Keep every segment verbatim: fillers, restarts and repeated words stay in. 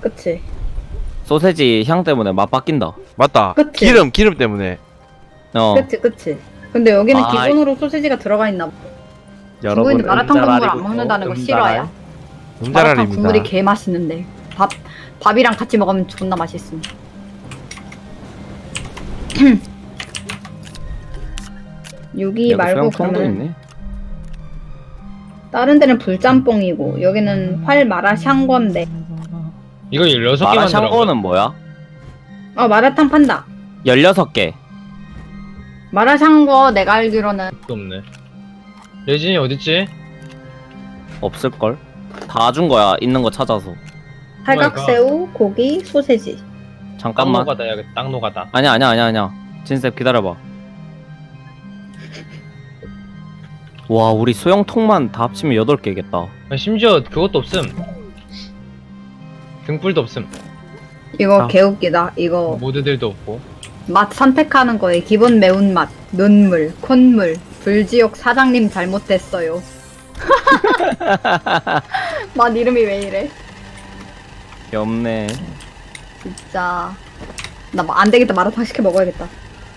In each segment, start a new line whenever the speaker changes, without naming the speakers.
그치.
소세지 향 때문에 맛 바뀐다.
맞다.
그치?
기름 기름 때문에.
어.
그치, 그치. 근데 여기는
아,
기본으로 소세지가 들어가 있나 봐.
여러분
중국인들 마라탕 국물 안
음자랄이군요.
먹는다는 거
음자랄.
싫어요? 마라탕
음자랄입니다.
국물이 개 맛있는데. 밥, 밥이랑 같이 먹으면 존나 맛있음. 여기
여기
말고
수영통도
그러면
있네.
다른 데는 불짬뽕이고 여기는 활 마라샹궈인데.
이거 열여섯 개 만들어.
마라샹궈는 뭐야?
어, 마라탕 판다.
열여섯 개.
마라샹궈 내가 알기로는
없네. 예진이 어딨지?
없을걸? 다 준 거야. 있는 거 찾아서.
팔각새우, 고기, 소세지.
땅
잠깐만.
노가다 야땅 노가다.
아니야 아니야 아니야 아니야. 진셉 기다려봐. 와 우리 소형통만 다 합치면 여덟 개겠다.
아, 심지어 그것도 없음. 등불도 없음.
이거
아.
개웃기다. 이거
모드들도 없고.
맛 선택하는 거에 기본 매운맛, 눈물, 콧물, 불지옥 사장님 잘못됐어요. 맛 이름이 왜 이래?
없네.
진짜 나 안 되겠다. 마라탕 시켜 먹어야겠다.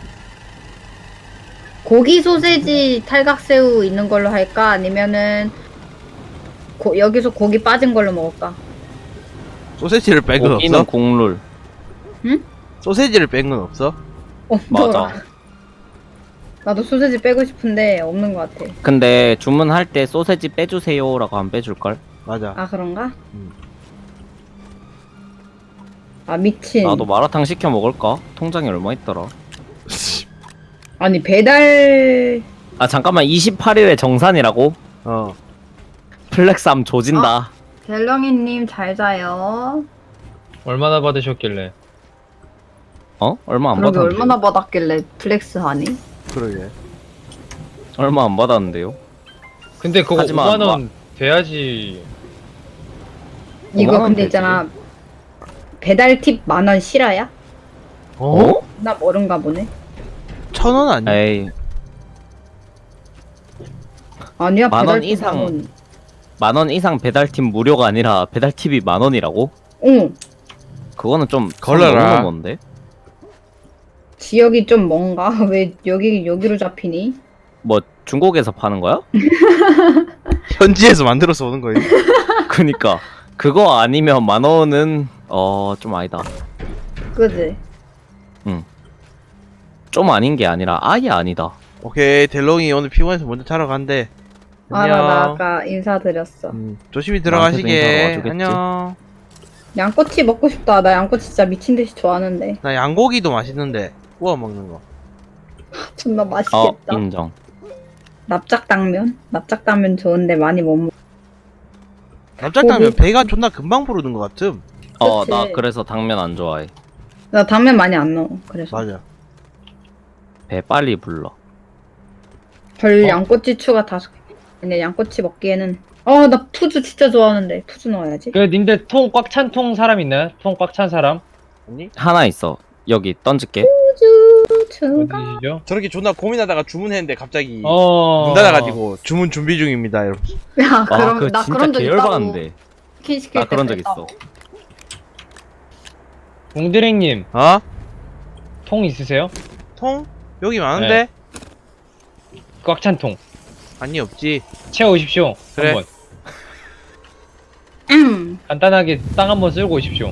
고기 소세지 탈각새우 있는 걸로 할까? 아니면은 고, 여기서 고기 빠진 걸로 먹을까?
소세지를 뺀 건
고기는
없어?
국룰.
소세지를 뺀 건 없어?
없더라.
맞아.
나도 소세지 빼고 싶은데 없는 것 같아.
근데 주문할 때 소세지 빼주세요라고 안 빼줄걸?
맞아.
아 그런가?
음.
아 미친.
나도 마라탕 시켜 먹을까? 통장에 얼마 있더라?
아니 배달
아 잠깐만 이십팔 일에 정산이라고?
어.
플렉스함 조진다.
델렁이님 잘 자요.
얼마나 받으셨길래?
어? 얼마 안
그러게
받았는데?
얼마나 받았길래 플렉스 하니?
그러게.
얼마 안 받았는데요?
근데 그거
하지만
오만 원 돼야지.
이거
오만 원
근데
되지.
있잖아 배달 팁 만 원 실화야?
어?
나 모른가 보네.
천 원 아니야?
에이
아니야
만원
배달 팁
이상.
만 원.
만 원 이상 배달팁 무료가 아니라 배달팁이 만 원이라고?
어
그거는 좀
걸러라.
건데?
지역이 좀 뭔가 왜 여기 여기로 잡히니?
뭐 중국에서 파는 거야?
현지에서 만들어서 오는 거야.
그니까 그거 아니면 만 원은 어 좀 아니다.
그지?
좀 아닌 게 아니라 아예 아니다.
오케이, 델롱이 오늘 피곤해서 먼저 자러 간대.
아 나 나 아까 인사드렸어.
음, 조심히
나한테도 인사로
들어가시게.
와주겠지?
안녕.
양꼬치 먹고 싶다. 나 양꼬치 진짜 미친 듯이 좋아하는데.
나 양고기도 맛있는데 구워 먹는 거.
존나
어
맛있겠다.
인정.
납작당면? 납작당면 좋은데 많이 못 먹.
납작당면
고기?
배가 존나 금방 부르는 것 같음.
어
그치.
나 그래서 당면 안 좋아해.
나 당면 많이 안 넣어. 그래서
맞아.
배 빨리 불러.
별
어?
양꼬치 추가 다섯 개. 근데 양꼬치 먹기에는 어 나 푸즈 진짜 좋아하는데 푸즈 넣어야지.
그 님들 통 꽉 찬 통 사람 있나요? 통 꽉 찬 사람?
아니?
하나 있어. 여기 던질게.
푸즈 추가.
어디시죠?
저렇게 존나 고민하다가 주문했는데 갑자기
어.
문 닫아가지고 주문 준비 중입니다, 여러분.
야
아
그럼
그거
나
진짜
그런 적 있다고.
계열받는데.
치킨 시킬
나
때
그런 적
그랬다고.
있어.
웅드랭님
어?
통 있으세요?
통? 여기 많은데?
꽉 찬 통.
아니, 없지.
채워오십시오.
그래.
한번.
음.
간단하게 땅 한번 쓸고 오십시오.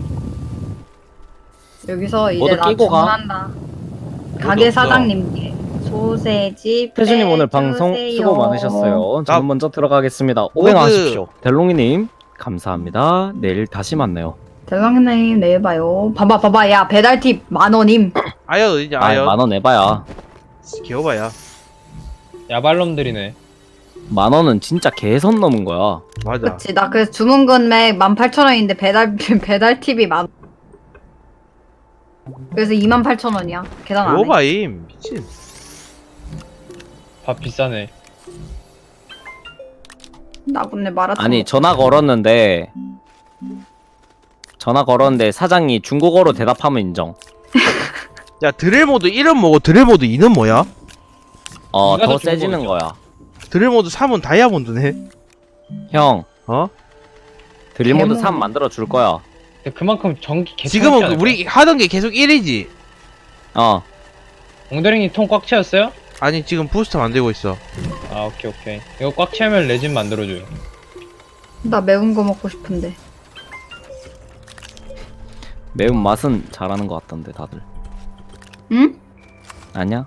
여기서 이제
모두
나
끼고 가.
주문한다. 가게
없어.
사장님께 소세지
태준님 오늘
빼주세요.
방송 수고 많으셨어요.
나-
저는 먼저 들어가겠습니다. 오행하십시오. 델롱이님 감사합니다. 내일 다시 만나요.
대성님 내일 봐요. 봐봐 봐봐 야 배달 팁 만 원임.
아연 어디냐,
아,
아연.
만 원 내봐야.
귀여봐야.
야발놈들이네.
만 원은 진짜 개선 넘은 거야.
맞아.
그치 나 그래서 주문 금액 만 팔천 원인데 배달 배달 팁이 만. 그래서 이만 팔천 원이야. 계산 안 해.
귀여봐임. 미친.
밥 비싸네.
나쁜데 마라탕.
아니 전화 걸었는데 전화 걸었는데 사장이 중국어로 대답하면 인정.
야, 드릴모드 일은 뭐고 드릴모드 이는 뭐야?
어
네가
더
더
세지는
중국어죠.
거야.
드릴모드 삼은 다이아몬드네.
형
어?
드릴모드
개몽.
삼 만들어 줄 거야.
그만큼 전기 개차.
지금은 그 우리 하던 게 계속 일이지.
어.
엉더링이 통 꽉 채웠어요?
아니 지금 부스터 만들고 있어.
아 오케이 오케이. 이거 꽉 채우면 레진 만들어줘요.
나 매운 거 먹고 싶은데.
매운 맛은 잘하는 것 같던데 다들.
응?
아니야?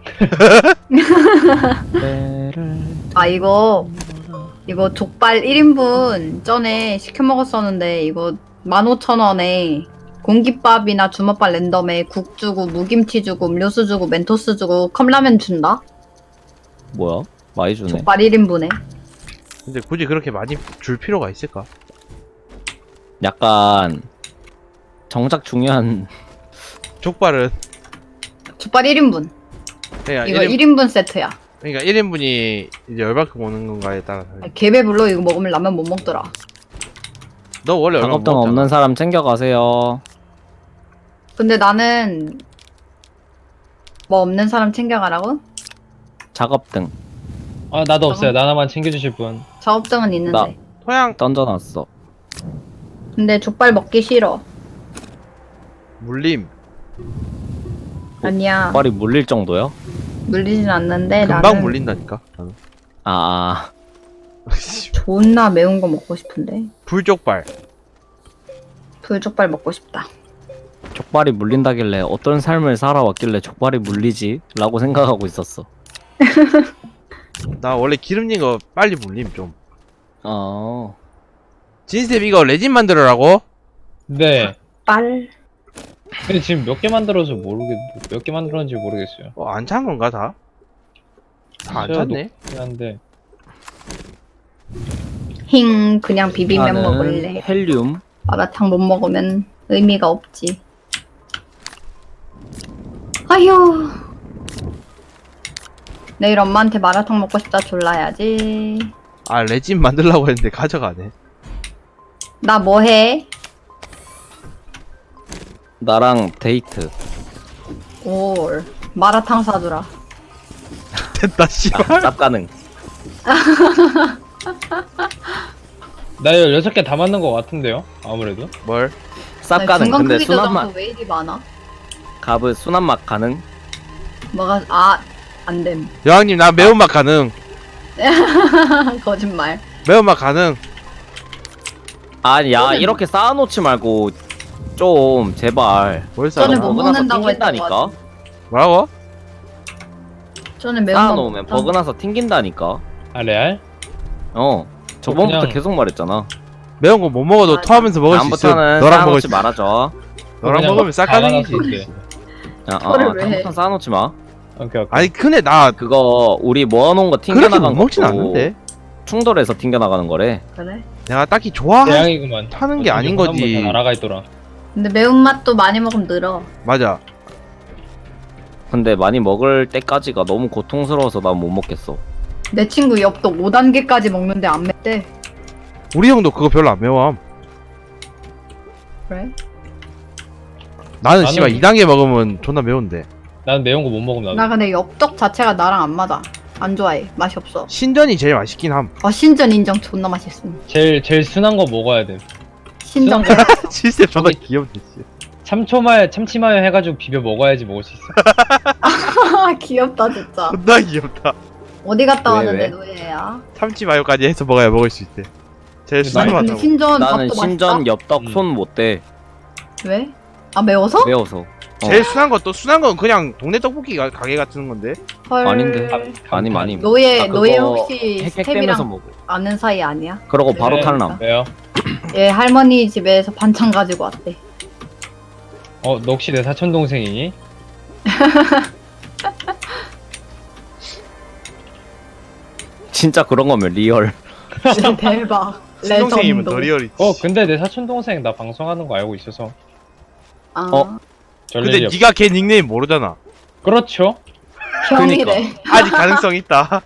아 이거 이거 족발 일 인분 전에 시켜 먹었었는데 이거 만 오천 원에 공깃밥이나 주먹밥 랜덤에 국 주고 무김치 주고 음료수 주고 멘토스 주고 컵라면 준다?
뭐야? 많이 주네.
족발 일 인분에.
근데 굳이 그렇게 많이 줄 필요가 있을까?
약간 정작 중요한
족발은
족발 일 인분.
그냥
이거
일 인,
일 인분 세트야.
그러니까 일 인분이 이제 얼마큼 오는 건가에 따라서.
개배불러 이거 먹으면 라면 못 먹더라.
너 원래 얼마
작업등
먹었잖아.
없는 사람 챙겨가세요.
근데 나는 뭐 없는 사람 챙겨가라고?
작업등
아 나도 없어요. 나 하나만 챙겨주실 분.
작업등은 있는데.
나.
토양
던져놨어.
근데 족발 먹기 싫어.
물림
아니야.
족발이 물릴 정도요?
물리진 않는데
금방
나는
물린다니까. 나는.
아,
존나 매운 거 먹고 싶은데.
불족발.
불족발 먹고 싶다.
족발이 물린다길래 어떤 삶을 살아왔길래 족발이 물리지? 라고 생각하고 있었어.
나 원래 기름진 거 빨리 물림 좀.
어.
진셉 이거 레진 만들어라고?
네.
빨.
근데 지금 몇 개 만들어서 모르겠 몇 개 만들었는지 모르겠어요.
어, 안 찬 건가 다? 다 안
제가
찼네.
높긴 한데.
힝 그냥 비빔면
나는
먹을래.
헬륨.
마라탕 못 먹으면 의미가 없지. 아휴. 내일 엄마한테 마라탕 먹고 싶다 졸라야지.
아 레진 만들라고 했는데 가져가네.
나 뭐해?
나랑 데이트.
올 마라탕 사주라.
됐다
아,
씨발.
쌉 가능.
나 열여섯 개 다 맞는 것 같은데요? 아무래도.
뭘?
쌉 가능.
중간
근데
크기
순한
조정도
맛.
왜 이리 많아?
갑은 순한 맛 가능?
뭐가 아 안됨.
여왕님 나 매운맛 가능.
거짓말.
매운맛 가능.
아니, 야,
저는-
이렇게 쌓아놓지 말고 좀 제발.
뭘
저는
싸워?
못
버그나서
먹는다고 했던 것
튕긴다니까.
뭐라고?
저는 매운 거
쌓아놓으면
먹자.
버그나서 튕긴다니까.
아 레알?
어. 저번부터
그냥-
계속 말했잖아.
매운 거 못 먹어도
맞아.
토하면서 먹을 수 있어.
다음부터는
너랑 먹을 수
쌓아놓지
있어.
말아줘.
너랑
그냥
먹으면 싹
다
가능이지.
나눴을 때.
야, 어,
그거를
어,
왜 해?
다음부터 쌓아놓지 마.
오케이 오케이.
아니 근데 나
그거 우리 모아놓은 거
그렇게
튕겨나간
못 먹진
것도
않는데.
충돌해서 튕겨나가는 거래.
그래?
내가 딱히 좋아하는
대양이구만.
하는 게 아닌
어쩐지
거지.
다 날아가 있더라.
근데 매운맛도 많이 먹으면 늘어.
맞아.
근데 많이 먹을 때까지가 너무 고통스러워서 난 못 먹겠어.
내 친구 엽떡 오 단계까지 먹는데 안 맵대.
우리 형도 그거 별로 안 매워.
그래?
나는
나는-
씨발 이 단계 먹으면 존나 매운데.
난 매운 거 못 먹으면
나
나도.
근데 엽떡 자체가 나랑 안 맞아. 안 좋아해. 맛이 없어.
신전이 제일 맛있긴 함.
어 신전 인정 존나 맛있음.
제일 제일 순한 거 먹어야 돼.
신전.
진짜 존나 귀엽네. 씨.
참초마요 참치마요 해가지고 비벼 먹어야지 먹을 수 있어.
아 귀엽다 진짜.
존나 귀엽다.
어디 갔다
왜,
왔는데
왜?
노예야?
참치 마요까지 해서 먹어야 먹을 수 있대. 제일
아니,
순한
아니
맛
근데
하고.
신전
나는
밥도
신전
맛있다?
엽떡
음.
손 못 대.
왜? 아 매워서?
매워서. 어.
제일 순한 것도 순한 건 그냥 동네 떡볶이 가, 가게 같은 건데.
헐.
아닌데. 아니 많이.
노예
나 그거
노예 혹시
헥헥대면서
스텝이랑
먹어.
아는 사이 아니야?
그러고 바로
네.
탈남.
왜요?
얘 할머니 집에서 반찬 가지고 왔대.
어, 너 혹시 내 사촌 동생이니?
진짜 그런 거면 리얼.
대박.
친동생이면
레전드.
더 리얼이지.
어, 근데 내 사촌 동생 나 방송하는 거 알고 있어서.
아,
어?
별
근데
일이 없.
네가 걔 닉네임 모르잖아.
그렇죠.
형이래.
아직 가능성 있다.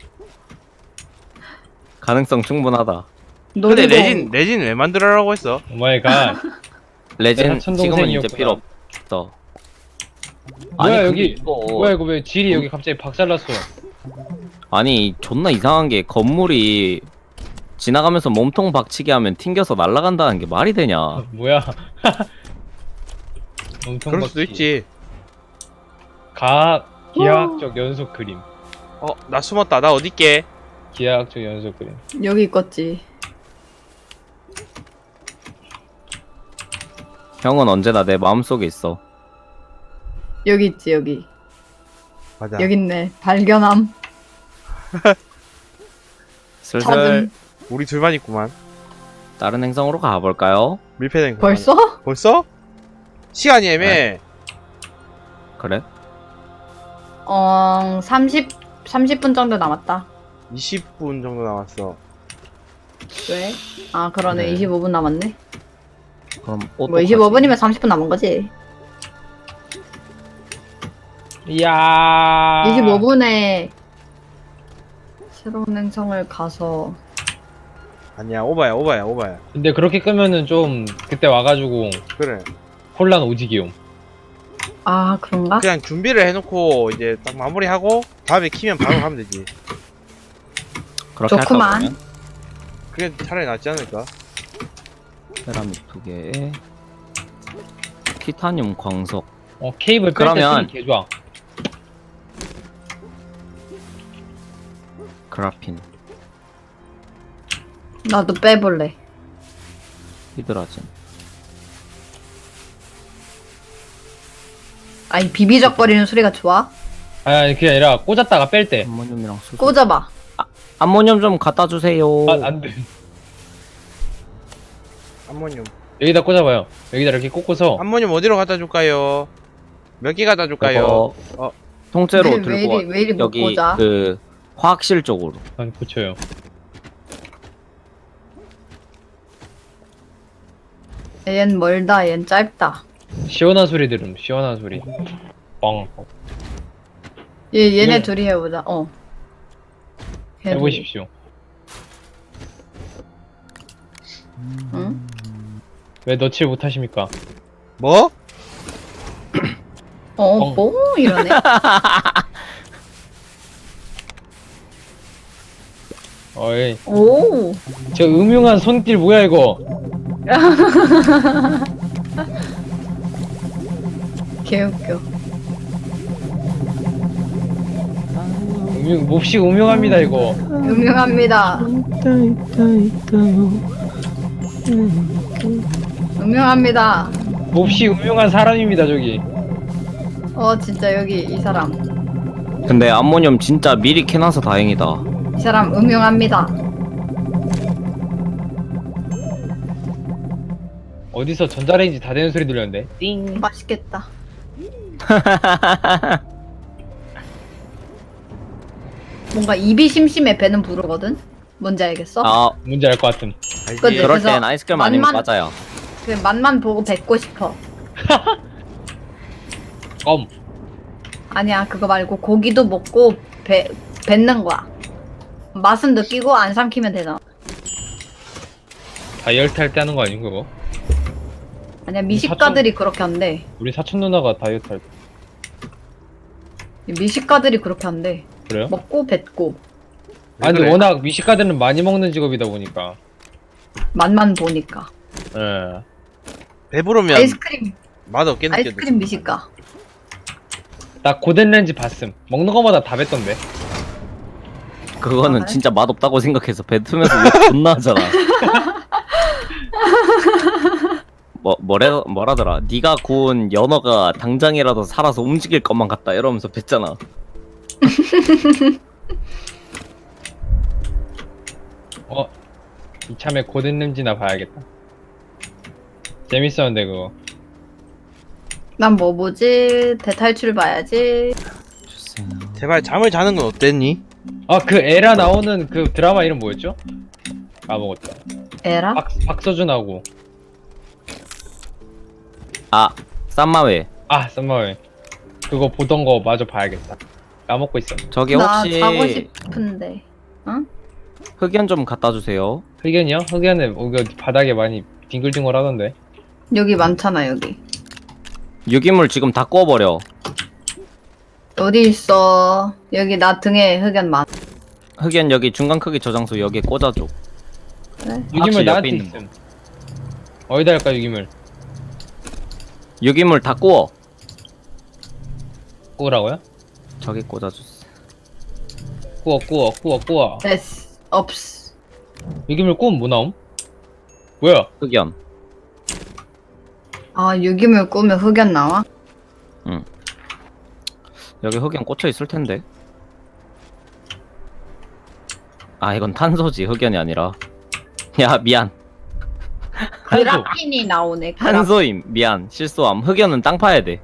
가능성 충분하다.
근데
놀이동.
레진 레진 왜 만들어라고 했어?
오 마이 갓.
레진
사촌
지금은 이제
동생이었구나.
필요 없어.
뭐야,
근데
여기-
이거
뭐야 이거 왜 질이 여기 갑자기 박살났어?
아니 존나 이상한 게 건물이 지나가면서 몸통 박치기 하면 튕겨서 날아간다는 게 말이 되냐?
뭐야? 엄청
그럴 수도
박치.
있지.
가 기하학적 연속 그림.
어, 나 숨었다. 나 어딨게?
기하학적 연속 그림.
여기 있겠지.
형은 언제나 내 마음속에 있어.
여기 있지 여기.
맞아.
여기 있네. 발견함.
슬슬
찾음.
우리 둘만 있구만.
다른 행성으로 가볼까요?
밀폐된 거.
벌써?
벌써? 시간이 애매해.
그래?
어 삼십 삼십 분 정도 남았다.
이십 분 정도 남았어.
왜? 아 그러네.
네.
이십오 분 남았네.
그럼
뭐 이십오 분이면 삼십 분 남은 거지.
이야.
이십오 분에 새로운 행성을 가서
아니야, 오바야, 오바야, 오바야.
근데 그렇게 끄면은 좀 그때 와가지고
그래.
혼란 오지기용.
아 그런가?
그냥 준비를 해놓고 이제 딱 마무리하고 다음에 키면 바로 가면 되지.
그렇게 할까
좋구만.
보면
그게 차라리 낫지 않을까?
세라믹 두 개에 티타늄 광석.
어 케이블
그러면-
뺄때 개 좋아.
그라핀,
나도 빼볼래.
히드라진.
아니 비비적거리는 소리가 좋아?
아니, 아니 그게 아니라 꽂았다가 뺄 때.
암모늄이랑 수소.
꽂아봐.
암모늄 좀 갖다 주세요.
아, 안 돼.
암모늄.
여기다 꽂아봐요. 여기다 이렇게 꽂고서
암모늄 어디로 갖다 줄까요? 몇 개 갖다 줄까요?
이거
어.
통째로
왜, 왜
들고
이리, 왜 이리 못
여기
꽂아?
그 화학실 쪽으로.
한 고쳐요.
얜 멀다. 얜 짧다.
시원한 소리 들음. 시원한 소리. 뻥.
얘 얘네
네.
둘이 해보자. 어. 걔 둘이.
해보십시오.
응?
왜 너칠 못하십니까?
뭐?
어,
뻥.
뭐 이러네.
어이.
오.
저 음흉한 손길 뭐야 이거?
개웃겨.
음흉 몹시 음흉합니다 이거.
음흉합니다. 음흉합니다.
몹시 음흉한 사람입니다 저기.
어 진짜 여기 이 사람.
근데 암모늄 진짜 미리 캐놔서 다행이다.
이 사람 음흉합니다.
어디서 전자레인지 다 되는 소리 들렸는데? 띵.
맛있겠다. 뭔가 입이 심심해 배는 부르거든? 뭔지 알겠어?
아,
뭔지 알 것 같음.
알지?
그치?
그럴
그래서
땐 아이스크림 아니면
맛만-
맞아요.
그 맛만 보고 뱉고 싶어.
껌.
아니야 그거 말고 고기도 먹고 배, 뱉는 거야. 맛은 느끼고 안 삼키면 되잖아.
다이어트 할 때 하는 거 아닌 그거?
아니야 미식가들이 그렇게 한대.
우리 사촌 누나가 다이어트 할 때.
미식가들이 그렇게 한대.
그래요?
먹고 뱉고
왜
아니 근데
그래?
워낙 미식가들은 많이 먹는 직업이다 보니까.
맛만 보니까.
예.
배부르면
아이스크림
맛 없게 느껴져.
아이스크림 미식가.
나 고된 렌즈 봤음. 먹는 거마다 다 뱉던데.
그거는
아, 그래?
진짜 맛없다고 생각해서 뱉으면서 욕 존나 하잖아. 뭐 뭐래 뭐라더라? 네가 구운 연어가 당장이라도 살아서 움직일 것만 같다 이러면서 뱉잖아.
어 이참에 고된 렌즈나 봐야겠다. 재밌었는데 그거.
난 뭐 보지? 대탈출 봐야지.
주세요.
제발 잠을 자는 건 어땠니?
아 그 에라 나오는 그 드라마 이름 뭐였죠? 까먹었다.
에라?
박 박서준하고.
아, 쌈마웨.
아 썸머웨이. 그거 보던 거 마저 봐야겠다. 까먹고 있었네.
저기
나
혹시
자고 싶은데. 응?
흑연 좀 갖다 주세요.
흑연이요? 흑연은 이거 바닥에 많이 뒹굴뒹굴 하던데.
여기 많잖아 여기.
유기물 지금 다 구워버려.
어디 있어? 여기 나 등에 흑연 많.
흑연 여기 중간 크기 저장소 여기에 꽂아줘.
유기물
확실히
나한테
옆에 있는
있음. 어디다 할까 유기물?
유기물 다 구워.
구우라고요?
저기 꽂아주세요.
구워 구워 구워 구워.
됐어. 없어.
유기물 구우면 뭐 나옴? 뭐야?
흑연.
아, 유기물 꾸면 흑연 나와?
여기 흑연 꽂혀 있을 텐데. 아 이건 탄소지 흑연이 아니라. 야 미안.
탄소.
그라핀이 나오네. 그라핀.
탄소임 미안 실수함. 흑연은 땅 파야 돼.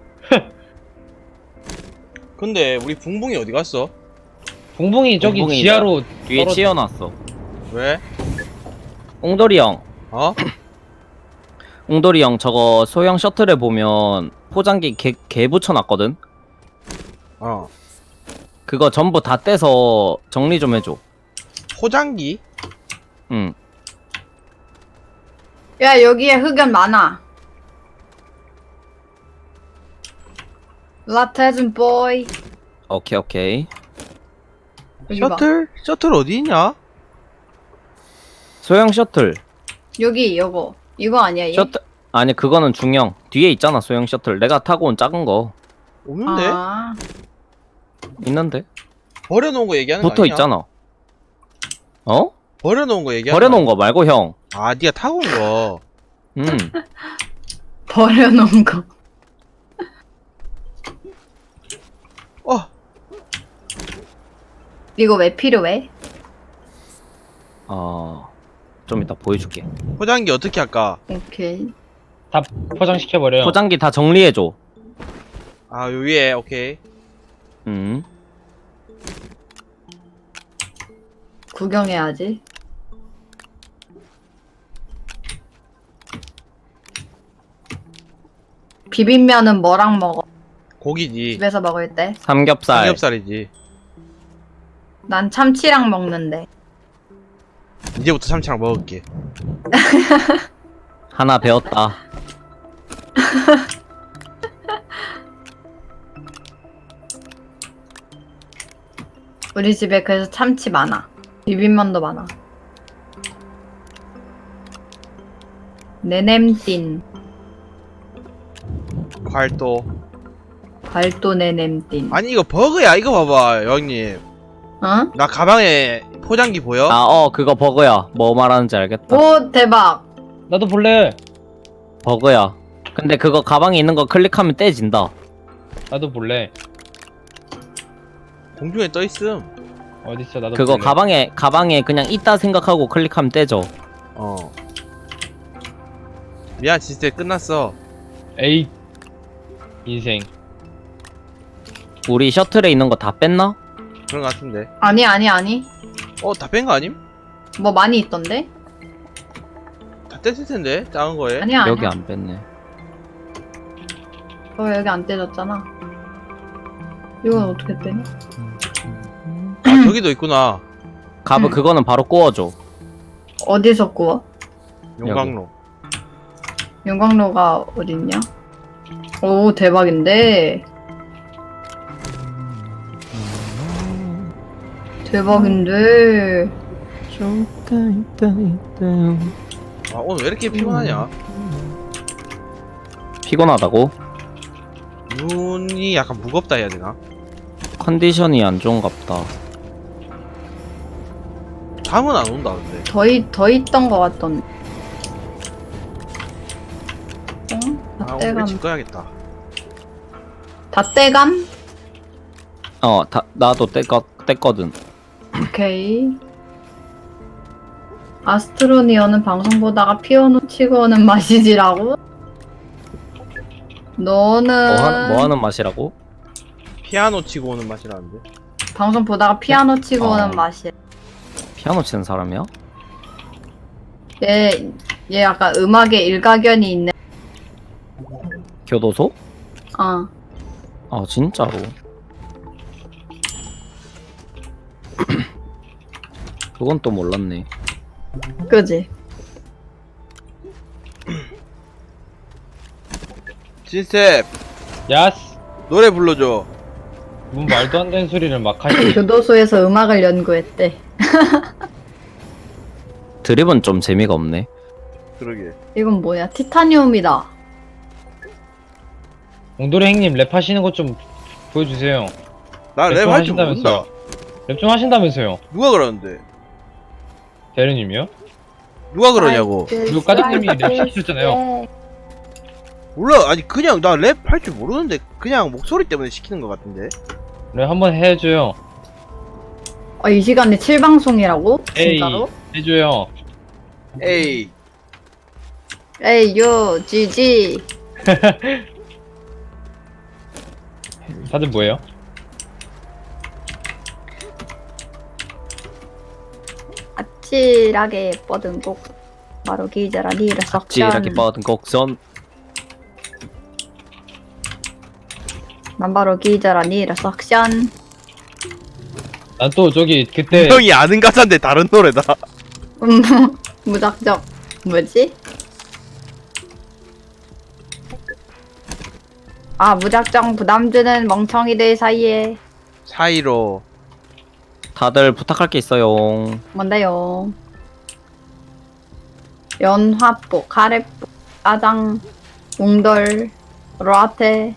근데 우리 붕붕이 어디 갔어?
봉봉이 저기
봉봉이
지하로
뒤에
떨어-
치여놨어.
왜?
옹돌이 형.
어?
옹돌이 형 저거 소형 셔틀에 보면 포장기 개, 개 붙여놨거든?
어.
그거 전부 다 떼서 정리 좀 해줘.
포장기?
응.
야, 여기에 흑연 많아. 라테준 보이.
오케이 오케이.
여기 봐.
셔틀? 셔틀 어디 있냐?
소형 셔틀.
여기 요거. 이거 아니야 얘?
셔틀 아니 그거는 중형. 뒤에 있잖아 소형 셔틀. 내가 타고 온 작은 거
없는데?
아,
있는데?
버려놓은 거 얘기하는 거
붙어
아니야?
있잖아. 어?
버려놓은 거 얘기하는
버려놓은
거
거 말고 형.
아니야? 아 니가 타고 온 거.
음.
버려놓은 거.
어.
이거 왜 필요해?
어. 좀 이따 보여줄게.
포장기 어떻게 할까?
오케이.
다 포장시켜버려요.
포장기 다 정리해줘.
아 요 위에 오케이.
음.
구경해야지. 비빔면은 뭐랑 먹어?
고기지.
집에서 먹을 때?
삼겹살.
삼겹살이지.
난 참치랑 먹는데.
이제부터 참치랑 먹을게.
하나 배웠다.
우리 집에 그래서 참치 많아. 비빔면도 많아. 네냄띤.
활도.
발도 네냄띤.
아니 이거 버그야. 이거 봐봐 형님.
어?
나 가방에 포장기 보여?
아, 어, 그거 버그야. 뭐 말하는지 알겠다.
오, 대박.
나도 볼래.
버그야. 근데 그거 가방에 있는 거 클릭하면 떼진다.
나도 볼래.
공중에 떠 있음.
어딨어 나도
그거
볼래.
가방에, 가방에 그냥 있다 생각하고 클릭하면 떼져.
어. 미안 진짜 끝났어.
에이 인생.
우리 셔틀에 있는 거 다 뺐나?
그런 거 같은데.
아니, 아니, 아니.
어 다 뺀 거 아님?
뭐 많이 있던데?
다 뗐을 텐데 작은 거에.
아니야, 아니야.
여기 안 뺐네.
어, 여기 안 떼졌잖아. 이건 어떻게 떼냐?
아 저기도 있구나.
가브
응.
그거는 바로 구워줘.
어디서 구워?
용광로.
용광로가 어딨냐? 오, 대박인데. 대박인데.
아 오늘 왜 이렇게 피곤하냐?
피곤하다고?
눈이 약간 무겁다 해야 되나?
컨디션이 안 좋은갑다.
잠은 안 온다 근데.
더, 있, 더 있던 것 같던데. 어?
아
다
오늘
떼감.
일찍 꺼야겠다.
다 떼감?
어, 다, 나도 떼거, 뗐거든.
오케이. 아스트로니어는 방송 보다가 피아노 치고 오는 맛이지라고? 너는
뭐, 하, 뭐 하는 맛이라고?
피아노 치고 오는 맛이라는데.
방송 보다가 피아노 치고
어.
오는 맛이야.
피아노 치는 사람이야?
얘, 얘 약간 음악에 일가견이 있네.
교도소?
어.
아, 진짜로. 그건 또 몰랐네.
그지?
진셉
야스.
노래 불러줘.
뭔 말도 안 되는 소리를 막 하시.
교도소에서 음악을 연구했대.
드립은 좀 재미가 없네.
그러게.
이건 뭐야? 티타늄이다.
옹돌이 형님 랩 하시는 것 좀 보여주세요.
나
랩
랩 할 줄 모른다.
하신다면서요. 랩 좀 하신다면서요.
누가 그러는데?
대리님이요?
누가 그러냐고.
그리고 까닭님이 랩 시키셨잖아요.
몰라. 아니 그냥 나 랩 할 줄 모르는데 그냥 목소리 때문에 시키는 것 같은데.
랩 한번 해줘요.
아, 이 시간에 칠 방송이라고?
에이,
진짜로?
해줘요.
에이.
에이, 요, 지지.
다들 뭐예요?
아찔하게 뻗은 곡. 바로 기자라 니를 썩전.
찌라기 뻗은 곡선.
난 바로 기자라 니를 썩션.
난 또 저기 그때
형이 아는 가사인데 다른 노래다.
음, 무작정. 뭐지? 아, 무작정 부담 주는 멍청이들 사이에.
사이로.
다들 부탁할 게 있어요.
뭔데요? 연화복, 카레복, 짜장, 웅돌, 라테.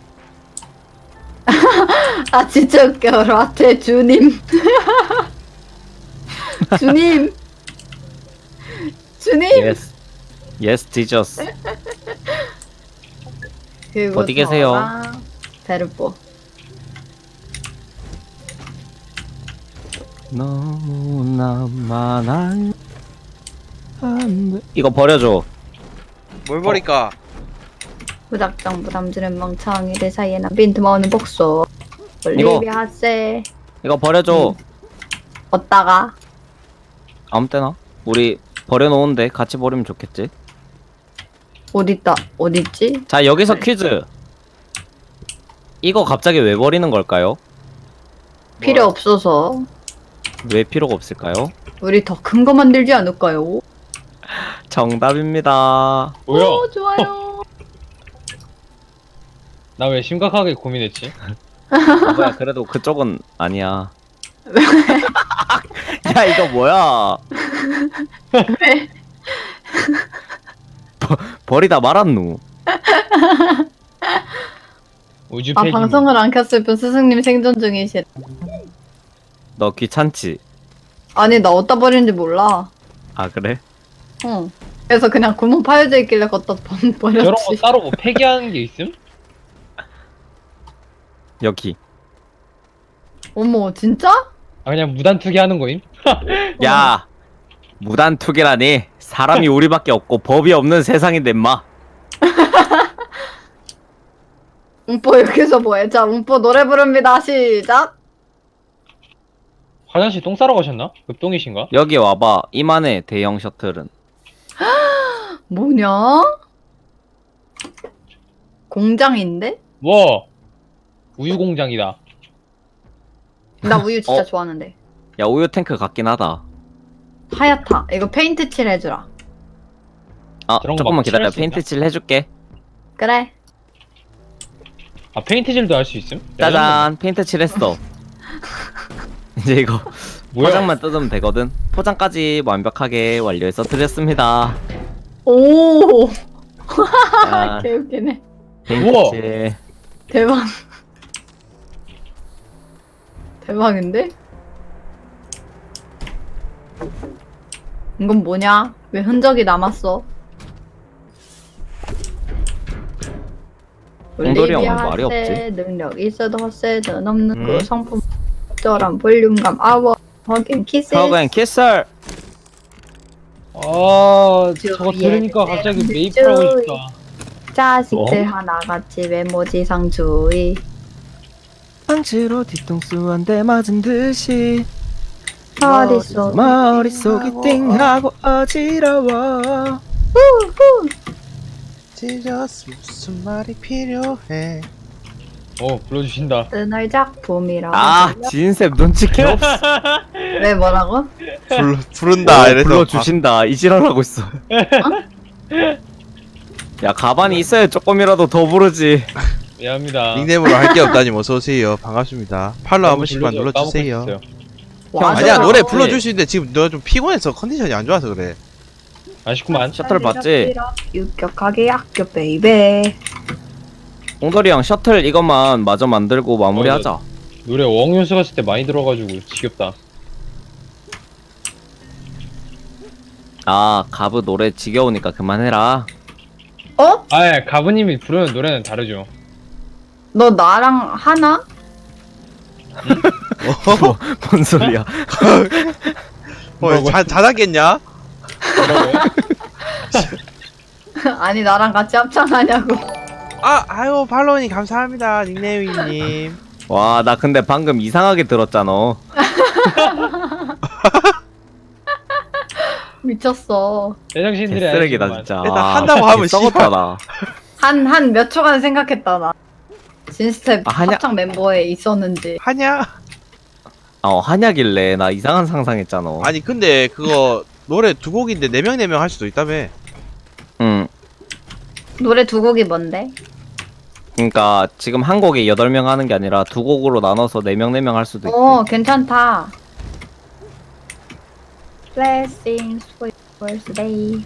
아, 진짜 웃겨. 라테 주님. 주님. 주님.
Yes. Yes, Jesus.
그리고
어디 계세요?
저랑 베르보.
너무나만 알. 안 돼. 이거 버려줘.
뭘 버릴까?
무작정 부담 주는 멍청이들 사이에 난 빈틈 없는 복수.
이거.
올리비아 세.
이거 버려줘.
어디다가?
아무 때나. 우리 버려놓은데 같이 버리면 좋겠지.
어딨다? 어딨지?
자, 여기서
네.
퀴즈. 이거 갑자기 왜 버리는 걸까요?
필요 없어서.
왜 필요가 없을까요?
우리 더 큰 거 만들지 않을까요?
정답입니다.
뭐야?
오, 좋아요.
나 왜 심각하게 고민했지?
뭐야, 그래도 그쪽은 아니야. 야, 이거 뭐야?
왜?
버, 버리다 말았누.
우주
아,
폐기.
방송을 안 켰을 뿐 스승님 생존 중이시래.
너 귀찮지?
아니, 나 어디다 버리는지 몰라.
아, 그래?
응. 그래서 그냥 구멍 파여져 있길래 걷다 번-
저런 거
버렸지.
따로 뭐 폐기하는 게 있음?
여기.
어머, 진짜?
아 그냥 무단 투기하는 거임?
야, 무단 투기라니. 사람이 우리밖에 없고 법이 없는 세상인데 마.
움뽀 여기서 뭐해? 자, 움뽀 노래 부릅니다. 시작.
화장실 똥 싸러 가셨나? 급똥이신가?
여기 와봐. 이만해 대형 셔틀은.
뭐냐? 공장인데?
뭐 우유 공장이다.
나 우유 진짜
어?
좋아하는데.
야, 우유 탱크 같긴 하다.
하얗다. 이거 페인트 칠 해주라.
아,
저런 거
조금만
막
기다려.
칠할 수
페인트 칠 해줄게.
그래.
아 페인트질도 할 수 있음?
짜잔, 페인트 칠 했어. 이제 이거
뭐야?
포장만 뜯으면 되거든. 포장까지 완벽하게 완료해서 드렸습니다.
오.
자,
개웃기네.
우와.
페인트 칠.
대박. 대박인데? 이건 뭐냐? 왜 흔적이 남았어?
옹돌이 형은
올리비아
말이 없지.
세, 능력 있어도 헛세는 없는
음.
그 성품 적절한 볼륨감 아워 허긴 키스
허그앤 키슬.
아
주-
저거
예,
들으니까
네,
갑자기
네,
메이플 하고
주-
싶다.
자식들
어?
하나같이 외모지상 주의
방치로 뒤통수 한 대 맞은 듯이
머릿속
머릿속이 띵하고 어지러워.
지저스 무슨 말이 필요해?
어 불러주신다.
뜨널 작품이라고
아, 진셉 눈치 개없어.
왜 뭐라고?
불 부른다.
어,
이래서
불러주신다. 이지랄하고 있어. 야, 가만히 있어야 조금이라도 더 부르지.
미안합니다.
닉네임으로 할 게 없다니 어서 오세요. 반갑습니다. 팔로 한
너무
번씩만
불러줘.
눌러주세요.
까먹고 있었어요.
와,
아니야
저거.
노래 불러줄 수 있는데 지금 너 좀 피곤해서 컨디션이 안 좋아서 그래.
아쉽구만.
셔틀 봤지?
유격하게 학교 베이베.
옹돌이 형 셔틀 이것만 마저 만들고 마무리하자.
노래 어학연수 갔을 때 많이 들어가지고 지겹다.
아 가브 노래 지겨우니까 그만해라.
어?
아, 가부님이 부르는 노래는 다르죠.
너 나랑 하나?
뭐, 뭔 소리야?
어, 자, 자다겠냐?
뭐라고요?
아니 나랑 같이 합창하냐고.
아, 아유, 팔로우님 감사합니다, 닉네임님.
와 나 근데 방금 이상하게 들었잖아.
미쳤어.
제정신들이
쓰레기다
아니지만.
진짜.
일단 한다고 하면
썩었다 나.
한 한 몇 초간 생각했다 나. 진스텝
아, 하냐?
합창 멤버에 있었는지.
하냐?
어 한약일래 나 이상한 상상했잖아.
아니, 근데 그거 노래 두 곡인데 네 명 네 명 할 수도 있다며.
응.
노래 두 곡이 뭔데?
그러니까 지금 한 곡에 여덟 명 하는 게 아니라 두 곡으로 나눠서 네 명 네 명 할 수도 있대.
어 괜찮다. Blessings for your birthday.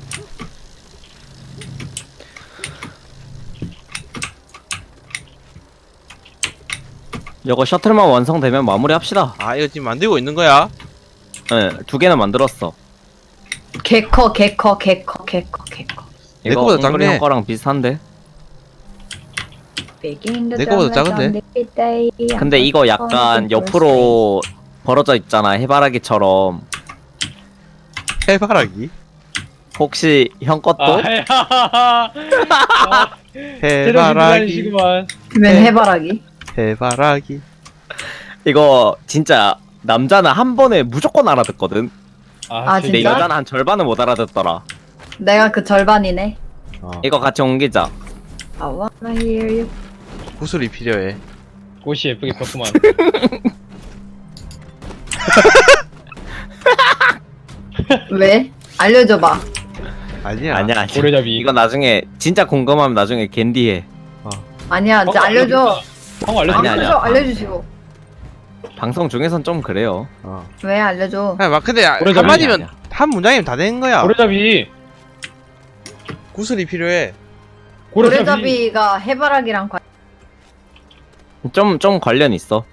이거 셔틀만 완성되면 마무리합시다.
아, 이거 지금 만들고 있는 거야?
응, 두 개는 만들었어.
개커 개커 개커 개커 개커.
내
이거
거보다
옹돌이
작네.
형 거랑 비슷한데?
내 거보다 작은데?
근데 이거 약간 옆으로 벌어져 있잖아, 해바라기처럼.
해바라기?
혹시 형 것도?
아, 야. 아,
해바라기.
제정신들이시구만.
웬 해바라기?
해바라기.
이거 진짜 남자는 한 번에 무조건 알아듣거든.
아,
근데
진짜?
여자는 한 절반은 못 알아듣더라.
내가 그 절반이네.
어.
이거 같이 옮기자.
I wanna hear you.
구슬이 필요해.
꽃이 예쁘게 폈구만.
왜? 알려줘봐.
아니야.
아니야, 아니야.
고래잡이.
이거 나중에 진짜 궁금하면 나중에 겐디해.
아니야, 이제
형,
알려줘.
형 알려줘.
아니야, 아니야.
알려줘, 알려주시고.
방송 중에선 좀 그래요.
어.
왜 알려줘?
그냥 막 근데
고래잡이
한마디면
아니야.
한 문장이면 다 되는 거야.
고래잡이.
구슬이 필요해.
고래잡이.
고래잡이가 해바라기랑 관.
좀, 좀 관련 있어.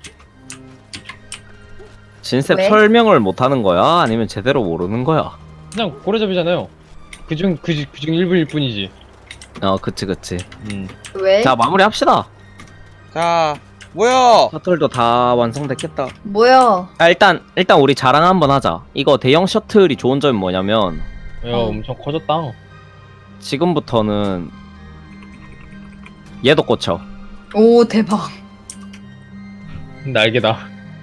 진셉
왜?
설명을 못 하는 거야? 아니면 제대로 모르는 거야?
그냥 고래잡이잖아요. 그중 그중 그중 일부일 뿐이지.
어, 그치, 그치.
음.
왜?
자, 마무리 합시다.
자, 뭐야?
셔틀도 다 완성됐겠다.
뭐야?
아, 일단, 일단 우리 자랑 한번 하자. 이거 대형 셔틀이 좋은 점이 뭐냐면,
야,
어.
엄청 커졌다.
지금부터는 얘도 꽂혀.
오 대박.
날개다.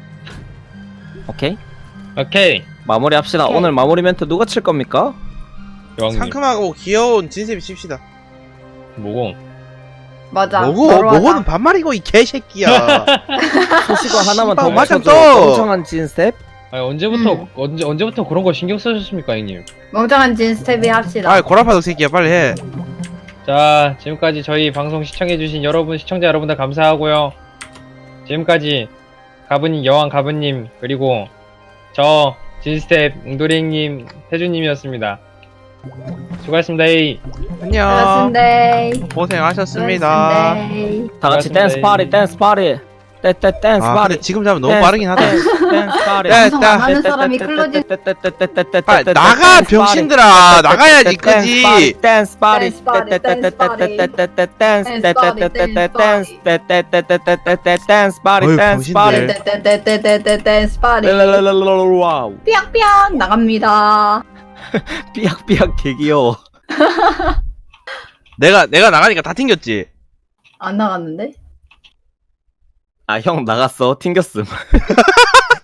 오케이?
오케이.
마무리 합시다.
오케이.
오늘 마무리 멘트 누가 칠 겁니까?
여왕님.
상큼하고 귀여운 진셉이 칩시다.
뭐고?
맞아.
뭐고?
바로 하자.
뭐고는 반말이고 이 개새끼야.
소식어 하나만 더
씨발, 맞아,
맞춰줘.
또!
멍청한 진셉?
아니 언제부터
음.
언제 언제부터 그런 거 신경 쓰셨습니까, 형님?
멍청한 진스텝이 합시다.
아, 고라파덕 새끼야, 빨리 해.
자, 지금까지 저희 방송 시청해주신 여러분, 시청자 여러분들 감사하고요. 지금까지 가부님, 여왕 가부님, 그리고 저, 진스텝, 웅도리님, 태주님이었습니다. 수고하셨습니다. 에이.
안녕.
반갑습니다.
고생하셨습니다.
반갑습니다.
다 같이
고맙습니다.
댄스 파리, 댄스 파리. 댄스 댄스
아,
파리.
근데 지금 자면 너무
댄스,
빠르긴 하다.
댄스, 댄스 파리.
야,
방송 안 하는 사람이 클로징.
아, 나가, 병신들아. 나가야지, 끄지.
댄스 파리.
댄스 파리, 댄스 파리.
댄스 댄스 댄스 파리,
어이,
댄스 파리.
병신들.
떼떼떼떼떼떼떼 댄스 파리.
와우.
삐약삐약 나갑니다.
삐약삐약 개 귀여워.
내가, 내가 나가니까 다 튕겼지?
안 나갔는데?
아, 형 나갔어. 튕겼음.